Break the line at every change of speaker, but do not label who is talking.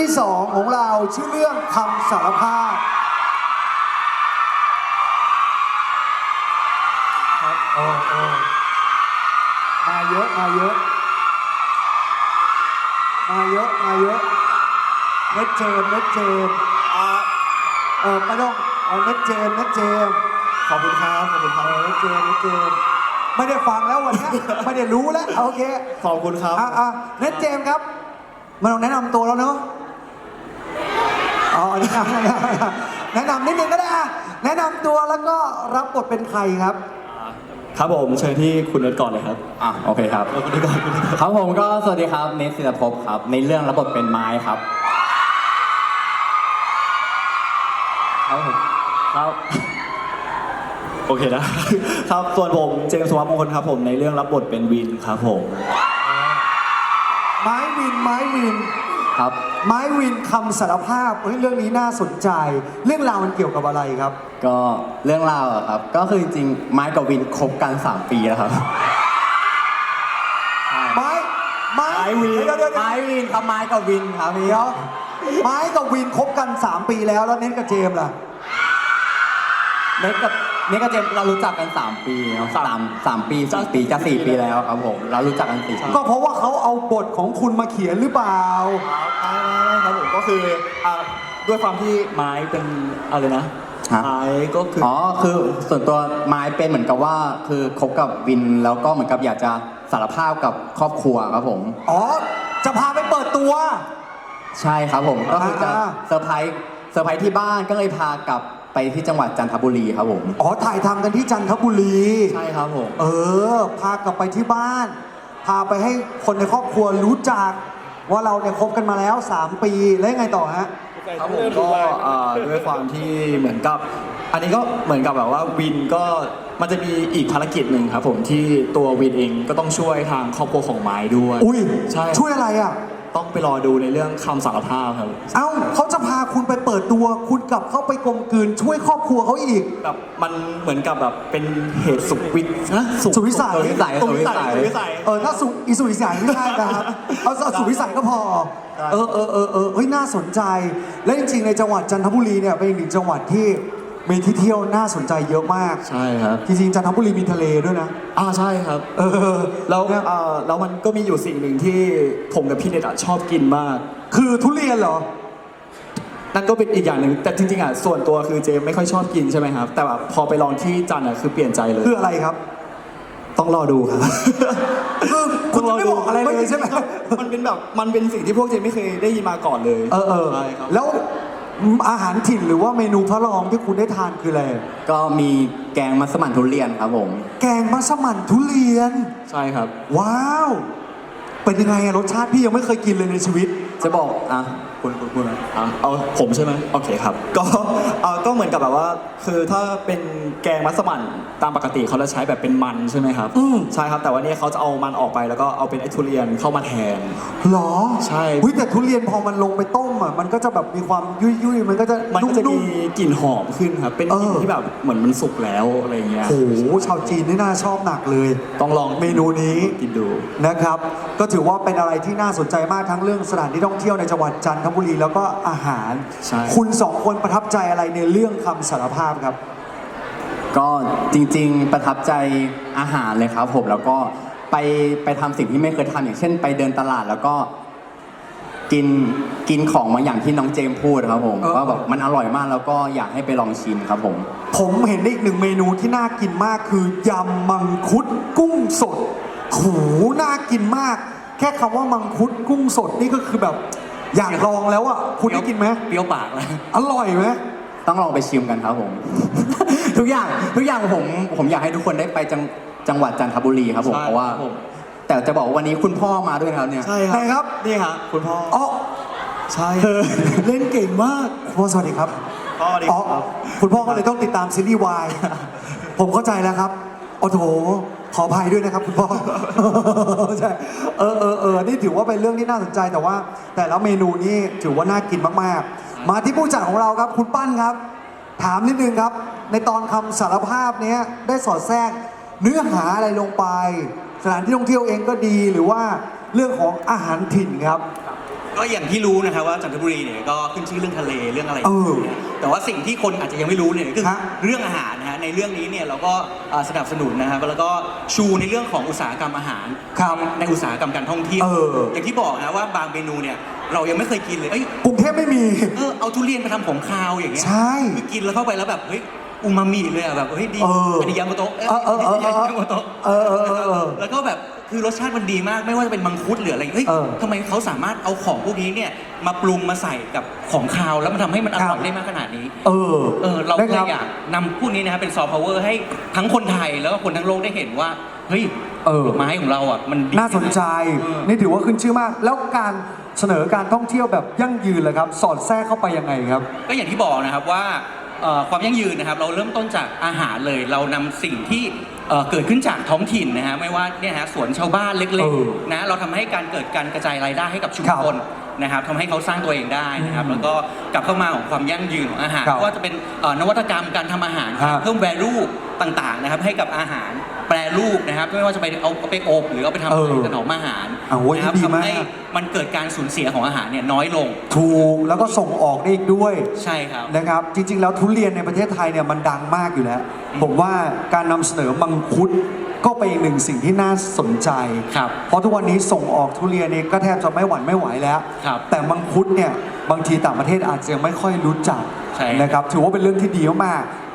ที่2ของเราชื่อเรื่องคำสารภาพครับโอ้มาเยอะเน็ตเจมไม่ต้องเอาเน็ตเจม
ขอบคุณครับ
เน็ตเจมไม่ได้ฟังแล้ววันนี้ไม่ได้รู้แล้วโอเค
ขอบคุณครับ
เน็ตเจมครับมาลองแนะนำตัวแล้วเนาะแนะนำนิดนึงก็ได้แนะนำตัวแล้วก็รับบทเป็นใครครับ
ครับผมเชิญที่คุณเน็ตก่อนเลยครับ
โอเคครับ
คุณเน็ตก่อน
ครับผมก็สวัสดีครับเนทศิลภพครับในเรื่องรับบทเป็นไม้ครับ
ครับโอเคนะครับส่วนผมเจมส์ สุวัฒน์มงคลครับผมในเรื่องรับบทเป็นวินครับผม
ไม้วิน
ครับ
ไม้วินคำสารภาพเรื่องนี้น่าสนใจเรื่องราวมันเกี่ยวกับอะไรครับ
ก็เรื่องราวอะครับก็คือจริงๆไม้กับวินคบกัน3 ปีแล้วครับ
ไม้
วินไม้วินครับไม้กับวินครับพี่
ไม้กับวินคบกัน3 ปีแล้วเน้นกับเจมส์ล่ะ
เน็ตกับเจมส์เรารู้จักกัน3 ปี3 ปี4 ปีจะ4 ปีแล้วครับผมเรารู้จักกัน4 ปี
ก็เพราะว่าเขาเอาบทของคุณมาเขียนหรือเปล่า
ครับผมก็คือด้วยความที่ไม้เป็นอะไรนะไม้ก็คือ
คือส่วนตัวไม้เป็นเหมือนกับว่าคือคบกับวินแล้วก็เหมือนกับอยากจะสารภาพกับครอบครัวครับผม
จะพาไปเปิดตัว
ใช่ครับผมก็คือจะเซอร์ไพรส์ที่บ้านก็เลยพากลับไปที่จังหวัดจันทบุรีครับผม
ถ่ายทำกันที่จันทบุรี
ใช่ครับผม
พากลับไปที่บ้านพาไปให้คนในครอบครัวรู้จักว่าเราเนี่ยคบกันมาแล้ว3 ปีแล้วยังไงต่อฮะ
ครับผมก็ด้วยความที่เหมือนกับอันนี้ก็เหมือนกับแบบว่าวินก็มันจะมีอีกภารกิจหนึ่งครับผมที่ตัววินเองก็ต้องช่วยทางครอบครัวของไม้ด้วย
ใช่ช่วยอะไรอ่ะ
ต้องไปรอดูในเรื่องคำสารภาพครับ
เขาจะพาคุณไปเปิดตัวคุณกลับเข้าไปกลมกลืนช่วยครอบครัวเขาอีก
แบบมันเหมือนกับแบบเป็นเหตุสุดวิ
สัยถ้าสุวิสัยไม่ได้นะครับเอาสุวิสัยก็พอน่าสนใจและจริงๆในจังหวัดจันทบุรีเนี่ยเป็นอีกหนึ่งจังหวัดที่มีที่เที่ยวน่าสนใจเยอะมาก
ใช่ครับ
จริงๆจันทบุรีมีทะเลด้วยนะ
ใช่ครับแล้วมันก็มีอยู่สิ่งหนึ่งที่ผมกับพี่เนตชอบกินมาก
คือทุเรียนเหรอ
นั่นก็เป็นอีกอย่างหนึ่งแต่จริงๆส่วนตัวคือเจไม่ค่อยชอบกินใช่ไหมครับแต่แบบพอไปลองที่จันคือเปลี่ยนใจเลย
คืออะไรครับ
ต้องรอดูครับ
คุณจะไม่บอกอะไรเลยใช่ไหม
มันเป็นแบบมันเป็นสิ่งที่พวกเจไม่เคยได้ยินมาก่อนเลย
ใช่ครับแล้วอาหารถิ่นหรือว่าเมนูพระรองที่คุณได้ทานคืออะไร
ก็มีแกงมัสมั่นทุเรียนครับผม
แกงมัสมั่นทุเรียน
ใช่ครับ
ว้าวเป็นยังไงรสชาติพี่ยังไม่เคยกินเลยในชีวิต
จะบอก
คุณเอาผมใช่ไหมโอเคครับก็เหมือนกับแบบว่าคือถ้าเป็นแกงมัสมั่นตามปกติเขาจะใช้แบบเป็นมันใช่ไหมครับใช่ครับแต่ว่านี่เขาจะเอามันออกไปแล้วก็เอาเป็นไอ้ทุเรียนเข้ามาแทน
หรอ
ใช่
แต่ทุเรียนพอมันลงไปต้มมันก็จะแบบมีความยุ่ยมันก็จะ
มีกลิ่นหอมขึ้นครับเป็นกลิ่นที่แบบเหมือนมันสุกแล้วอะไรเงี้ย
โอ้โหชาวจีนนี่น่าชอบหนักเลย
ต้องลอง
เมนูนี้
กินดู
นะครับก็ถือว่าเป็นอะไรที่น่าสนใจมากทั้งเรื่องสถานที่ท่องเที่ยวในจังหวัดจันทบุรีแล้วก็อาหารคุณ2 คนประทับใจอะไรในเรื่องคำสารภาพครับ
ก็จริงๆประทับใจอาหารเลยครับผมแล้วก็ไปทำสิ่งที่ไม่เคยทำอย่างเช่นไปเดินตลาดแล้วก็กินของบางอย่างที่น้องเจมพูดครับผมว่าแบบมันอร่อยมากแล้วก็อยากให้ไปลองชิมครับผม
เห็นอีก1 เมนูที่น่ากินมากคือยำมังคุดกุ้งสดโหน่ากินมากแค่คำว่ามังคุดกุ้งสดนี่ก็คือแบบอยากลองแล้วคุณได้กินไหม
เปรี้ยวปากเลย
อร่อยไหม
ต้องลองไปชิมกันครับผม ทุกอย่างผมอยากให้ทุกคนได้ไปจังหวัดจันทบุรีครับผมเพราะว่าแต่จะบอกว่าวันนี้คุณพ่อมาด้วยครับเนี่ย
ใช่ครับนี่ครับคุณพ่อใช่
เล่นเก่งมากพ่อสวัสดีครับคุณพ่อก็เลยต้องติดตามซีรีส์วายผมเข้าใจแล้วครับโอ้โหขออภัยด้วยนะครับคุณพ่อใช่นี่ถือว่าเป็นเรื่องที่น่าสนใจแต่ว่าแต่ละเมนูนี่ถือว่าน่ากินมากๆมาที่ผู้จัดของเราครับคุณปั้นครับถามนิดนึงครับในตอนคำสารภาพนี้ได้สอดแทรกเนื้อหาอะไรลงไปสถานที่ท่องเที่ยวเองก็ดีหรือว่าเรื่องของอาหารถิ่นครับ
ก็อย่างที่รู้นะครับว่าจันทบุรีเนี่ยก็ขึ้นชื่อเรื่องทะเลเรื่องอะไร
เออ
แต่ว่าสิ่งที่คนอาจจะยังไม่รู้เนี่ยคือ
ฮะ
เรื่องอาหารนะฮะในเรื่องนี้เนี่ยเราก็สนับสนุนนะครับแล้วก็ชูในเรื่องของอุตสาหกรรมอาหาร
ครับ
ในอุตสาหกรรมการท่องเที่ยว
เออ
อย่างที่บอกนะว่าบางเมนูเนี่ยเรายังไม่เคยกินเลยเอ้ย
กรุงเทพไม่มี
เอาทุเรียนไปทำของคาวอย่างเงี้ย
ใช่
คือกินแล้วเข้าไปแล้วแบบเฮ้ยอูมามิเลยอะแบบเฮ้ยดี
เอออั
นนี้ยามาโตะ
ยามาโตะ
แล้วก็แบบคือรสชาติมันดีมากไม่ว่าจะเป็นมังคุดหรืออะไรเฮ้ย
เออ
ทำไมเขาสามารถเอาของพวกนี้เนี่ยมาปรุงมาใส่กับของคาวแล้วมันทำให้มันอร่อยได้มากขนาดนี้ เราก็
นะ
เล
ครั
ย
บ
อยากนำพวกนี้นะครับเป็นซอฟต์พาวเวอร์ให้ทั้งคนไทยแล้วก็คนทั้งโลกได้เห็นว่าเฮ้ยดอกไม้ของเราอ่ะมันดี
น่าสนใจ
เออ
นี่ถือว่าขึ้นชื่อมาก แล้วการเสนอการท่องเที่ยวแบบยั่งยืนเลยครับ สอดแทรกเข้าไปยังไงครับ ก็
อย่างที่บอกนะครับว่าความยั่งยืนนะครับเราเริ่มต้นจากอาหารเลยเรานำสิ่งที่เกิดขึ้นจากท้องถิ่นนะฮะไม่ว่าเนี่ยฮะสวนชาวบ้านเล็ก
เออ
ๆนะเราทำให้การเกิดการกระจายรายได้ให้กับชุม
ครับ
ชนนะครับทำให้เขาสร้างตัวเองได้นะครับแล้วก็กลับเข้ามาของความยั่งยืนของอาหาร
ครับ
ไม่ว่าจะเป็นนวัตกรรมการทำอาหารครับ
ฮะ
เพิ่ม value ต่างๆนะครับให้กับอาหารแปรรูปนะครับไม่ว่าจะไปเอาไปอบหรือเอาไปทำอะไรถนอมอาหาร
โอ้ย
นะครับ
ดีมาก
ทำให้มันเกิดการสูญเสียของอาหารเนี่ยน้อยลง
ถูกแล้วก็ส่งออกได้อีกด้วย
ใช่ครับ
นะครับ จริง ๆ แล้วทุเรียนในประเทศไทยเนี่ยมันดังมากอยู่แล้ว ผมว่าการนำเสนอมังคุดก็เป็นอีกหนึ่งสิ่งที่น่าสนใจ
ครับ
เพราะทุกวันนี้ส่งออกทุเรียนนี่ก็แทบจะไม่หวั่นไม่ไหวแล้ว
ครับ
แต่มังคุดเนี่ยบางทีต่างประเทศอาจจะยังไม่ค่อยรู้จัก
ใช่
นะครับถือว่าเป็นเรื่องที่ดีมาก